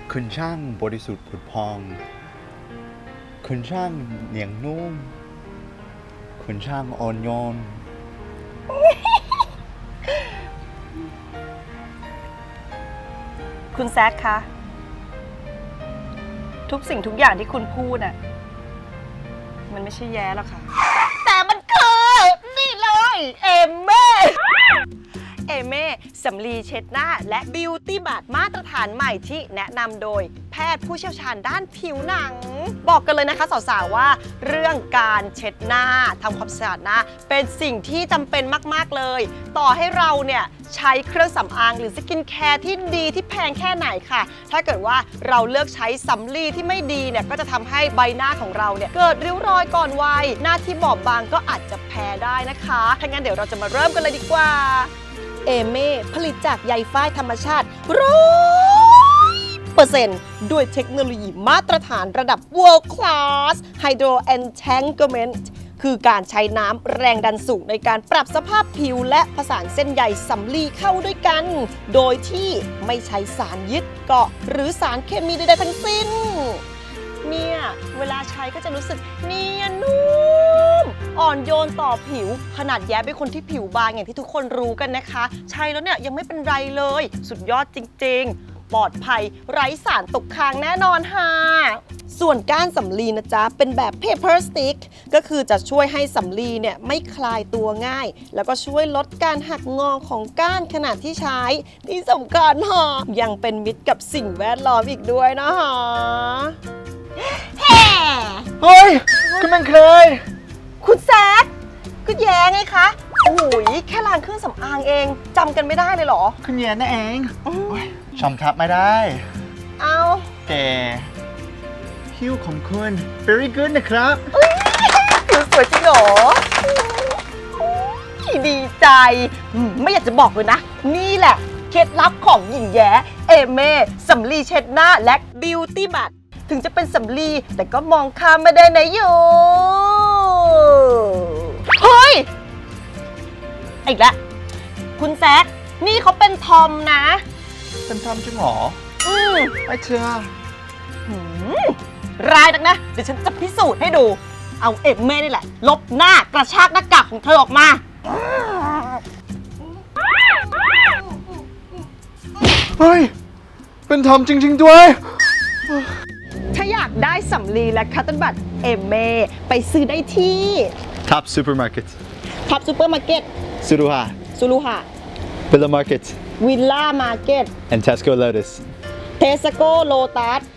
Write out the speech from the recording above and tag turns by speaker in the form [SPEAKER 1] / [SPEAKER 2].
[SPEAKER 1] คุณช่างบริสุทธิ์ผุดพองคุณช่างเหนียงนุ่มคุณช่างอ่อนโยน
[SPEAKER 2] คุณแซคคะ ทุกสิ่งทุกอย่างที่คุณพูดน่ะมันไม่ใช่แย้หรอกค่ะ แต่มันคือนี่เลยเอเม่สำลีเช็ดหน้าและบิวตี้บัตมาตรฐานใหม่ที่แนะนำโดยแพทย์ผู้เชี่ยวชาญด้านผิวหนัง บอกกันเลยนะคะสาวๆว่าเรื่องการเช็ดหน้าทำความสะอาดหน้าเป็นสิ่งที่จำเป็นมากๆเลย ต่อให้เราเนี่ยใช้เครื่องสำอางหรือสกินแคร์ที่ดีที่แพงแค่ไหนค่ะถ้าเกิดว่าเราเลือกใช้สำลีที่ไม่ดีเนี่ยก็จะทำให้ใบหน้าของเราเนี่ยเกิดริ้วรอยก่อนวัยหน้าที่บอบบางก็อาจจะแพ้ได้นะคะถ้างั้นเดี๋ยวเราจะมาเริ่มกันเลยดีกว่าเอเม่ผลิตจากใยฝ้ายธรรมชาติ100%ด้วยเทคโนโลยีมาตรฐานระดับ World Class Hydro Entanglement คือการใช้น้ำแรงดันสูงในการปรับสภาพผิวและผสานเส้นใยสำลีเข้าด้วยกัน โดยที่ไม่ใช้สารยึดเกาะหรือสารเคมีใดๆทั้งสิ้น เนี่ยเวลาใช้ก็จะรู้สึกเนียนนุ่มอ่อนโยนต่อผิวขนาดแย้เป็นคนที่ผิวบางอย่างที่ทุกคนรู้กันนะคะใช้แล้วเนี่ยยังไม่เป็นไรเลยสุดยอดจริงๆปลอดภัยไร้สารตกค้างแน่นอนค่ะส่วนก้านสำลีนะจ๊ะเป็นแบบ paper stick ก็คือจะช่วยให้สำลีเนี่ยไม่คลายตัวง่าย แล้วก็ช่วยลดการหักงอของก้านขณะที่ใช้ที่สำคัญฮะยังเป็นมิตรกับสิ่งแวดล้อมอีกด้วยนะคะเฮ้ย
[SPEAKER 1] คุณเป็นใคร
[SPEAKER 2] คุณแซคก็แย้ไงคะโอ้ยแค่ล้างเครื่องสำอางเองจำกันไม่ได้เลยเหรอ
[SPEAKER 1] คุณแย่นั่นเองชมทับไม่ได้
[SPEAKER 2] เอา
[SPEAKER 1] แต่คิ้วของคุณ very good นะครับ
[SPEAKER 2] ผิวสวยจริงเหรอดีใจไม่อยากจะบอกเลยนะ นี่แหละเคล็ดลับของหญิงแย้เอเม่สำลีเช็ดหน้าและบิวตี้บัตถึงจะเป็นสำลีแต่ก็มองข้ามไม่ได้นะอยู่เฮ้ยอีกแล้วคุณแซคนี่เขาเป็นทอมนะ
[SPEAKER 1] เป็นทอมจริงเหรอไม่เชื่อ
[SPEAKER 2] ร้ายนักนะเดี๋ยวฉันจะพิสูจน์ให้ดูเอาเอเม่นี่แหละลบหน้ากระชากหน้ากากของเธอออกมา
[SPEAKER 1] เฮ้ยเป็นทอมจริงๆด้วย
[SPEAKER 2] ถ้าอยากได้สำลีและคัตเติ้ลบัตเอเม่ไปซื้อได้ที่
[SPEAKER 1] Top Supermarket
[SPEAKER 2] ท็อปซูเปอร์มาร์เก็ต
[SPEAKER 1] Suruha
[SPEAKER 2] ซูรุหะ
[SPEAKER 1] Villa Market
[SPEAKER 2] วิลล่ามาร์เก็ต
[SPEAKER 1] and Tesco Lotus
[SPEAKER 2] เทสโก้โลตัส